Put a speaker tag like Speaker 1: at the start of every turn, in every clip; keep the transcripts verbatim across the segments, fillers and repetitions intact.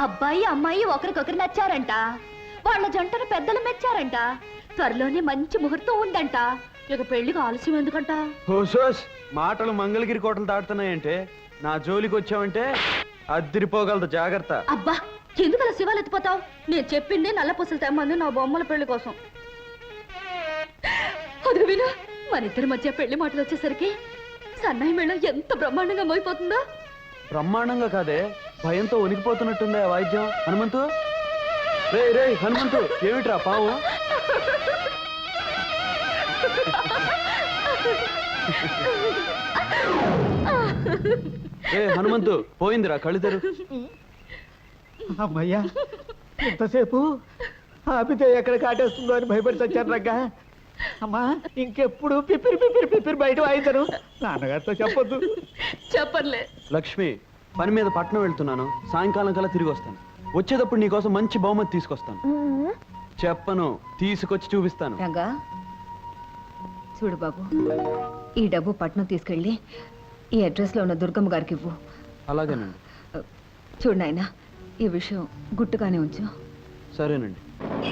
Speaker 1: అబ్బాయి అమ్మాయి ఒకరికొకరు నచ్చారంట. వాళ్ళ జంటను పెద్దలు మెచ్చారంట. త్వరలోనే మంచి ముహూర్తం ఉందంట. ఇక పెళ్లికి ఆలస్యం ఎందుకంట?
Speaker 2: హోసోస్ మాటలు మంగళగిరి కోటలు దాటుతున్నాయంటే నా జోలికి వచ్చావంటే అద్దిరిపోగలదు, జాగ్రత్త.
Speaker 1: అబ్బా, ఎందుకు అలా శివాలు ఎత్తిపోతావు? నేను చెప్పింది నల్ల పూసలు తెమ్మంది నా బొమ్మల పెళ్లి కోసం. అది విను, మన ఇద్దరి మధ్య పెళ్లి మాటలు వచ్చేసరికి సన్నాయి మేళం ఎంత బ్రహ్మాండంగా మోయిపోతుందో.
Speaker 2: బ్రహ్మాండంగా కాదే, భయంతో వణికిపోతున్నట్టుందే ఆ వాయిద్యం. హనుమంతు, రే రే హనుమంతు, ఏమిట్రా పావు? ఏ హనుమంతు, పోయిందిరా, కళ్ళిద్దరు.
Speaker 3: అమ్మయ్యా, ఎంతసేపు ఆపితే ఎక్కడ కాటేస్తుందో అని భయపడి చచ్చాను రగ్గా. అమ్మా, ఇంకెప్పుడు పిపిరి పిపిరి పిపిరి బయట వాయించను. నాన్నగారితో చెప్పొద్దు.
Speaker 1: చెప్పర్లే.
Speaker 2: లక్ష్మి, పని మీద పట్నం వెళ్తున్నాను, సాయంకాలం కల్లా తిరిగి వస్తాను. వచ్చేటప్పుడు నీకోసం మంచి బహుమతి తీసుకొస్తాను. చెప్పను, తీసుకొచ్చి చూపిస్తాను.
Speaker 4: రంగా, చూడు బాబు, ఈ డబ్బు పట్నం తీసుకెళ్ళి ఈ అడ్రస్ లో ఉన్న దుర్గమ్మ గారికి ఇవ్వు.
Speaker 2: అలాగేనండి.
Speaker 4: చూడు నాయనా, ఈ విషయం గుట్టుగానే ఉంచు.
Speaker 2: సరేనండి.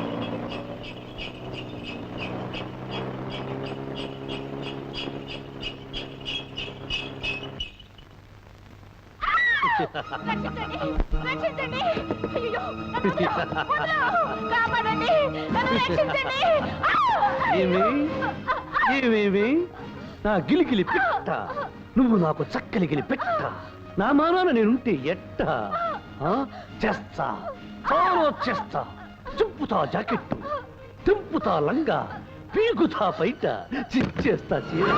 Speaker 5: ఏమేమి నా గిలిగిలి పెట్ట, నువ్వు నాకు చక్కలిగిలి పెట్ట, నా మానాన నేనుంటే ఎట్ట చేస్తా, చాలా చేస్తా. చింపుతా జాకెట్టు, తింపుతా లంగా, పీకుతా బయట, చిచ్చేస్తా చీర.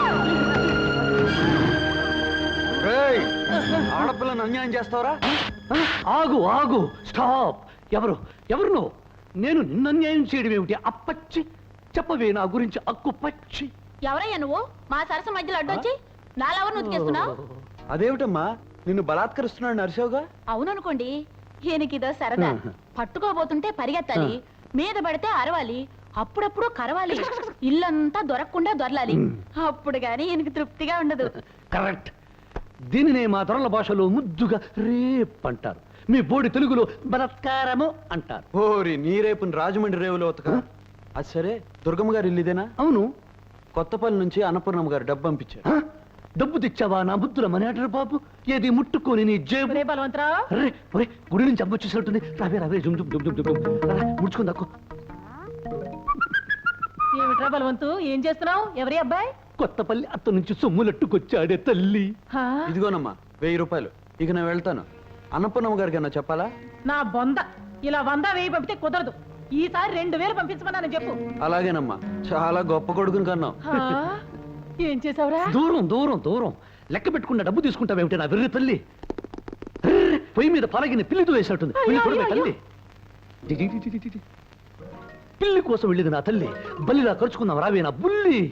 Speaker 2: ఆడపిల్లను అన్యాయం చేస్తావరా?
Speaker 5: ఆగు ఆగు, స్టాప్. ఎవరు ఎవరు నువ్వు? నేను నిన్న అన్యాయం చేయడం ఏమిటి? అప్పచ్చి చెప్పవే నా గురించి అక్కు పచ్చి.
Speaker 1: ఎవరయ్యా నువ్వు? మా సరస మధ్యలో అడ్డొచ్చి నాలెవరు నుతికేస్తున్నావు?
Speaker 2: అదేమిటమ్మా, నిన్ను బలాత్కరిస్తున్నాడు నరసోగా?
Speaker 1: అవుననుకోండి, ఈయనకిదో సరదా. పట్టుకోబోతుంటే పరిగెత్తాలి, మీద పడితే అరవాలి, అప్పుడప్పుడు కరవాలి, ఇల్లంతా దొరకకుండా దొరలాలి. అప్పుడు గాని ఈయనకి తృప్తిగా ఉండదు.
Speaker 5: కరెక్ట్. దీనినే మా తొరల భాషలో ముద్దుగా రేప్ అంటారు, మీ బోడి తెలుగులో బలత్కారము అంటారు.
Speaker 2: ఓరి నీ రేపుని రాజమండ్రి రేవులో ఉతక. అది సరే, దుర్గమ్మ గారు ఇల్లుదేనా?
Speaker 5: అవును.
Speaker 2: కొత్తపల్లి నుంచి అన్నపూర్ణమ్మ గారు డబ్బు పంపించారు.
Speaker 5: ఆ? డబ్బు తెచ్చావా నా బుద్ధుల మనేటరు బాబు? ఏది ముట్టుకొని నీ జేబు.
Speaker 1: బలవంతరావు,
Speaker 5: అరే ఒరే, గుడి నుంచి అమ్మ వచ్చేసినట్టుంది. రావే రావే, జుమ్ జుమ్ జుమ్ జుమ్ జుమ్. ముడుచుకుని దక్కు.
Speaker 1: ఏమిట్రా బలవంతు, ఏం చేస్తున్నావు? ఎవరి అబ్బాయి?
Speaker 5: కొత్తపల్లి అత్త నుంచి సొమ్ములట్టుకొచ్చాడే తల్లి.
Speaker 2: ఇదిగోనమ్మా వెయ్యి రూపాయలు. ఇక నేను వెళ్తాను. అన్నపూర్ణమ్మ గారికి అన్న చెప్పాలా?
Speaker 6: నా బొంద ఇలా వంద వెయ్యి పంపితే కుదరదు. ఈసారి రెండు వేలు పంపించమన్నాను చెప్పు.
Speaker 2: అలాగేనమ్మా, చాలా గొప్ప కొడుకుని కన్నావు.
Speaker 6: ఏం చేసావురా?
Speaker 5: దూరం దూరం దూరం లెక్క పెట్టుకున్న డబ్బు తీసుకుంటావేమిటి నా వెర్రి తల్లి? పొయ్యి మీద పలగిన పిల్లితో వేసినట్టుంది. తల్లి, పిల్లి కోసం వెళ్ళేది నా తల్లి. బల్లిలా ఖర్చుకుందాం రావే నా బుల్లి.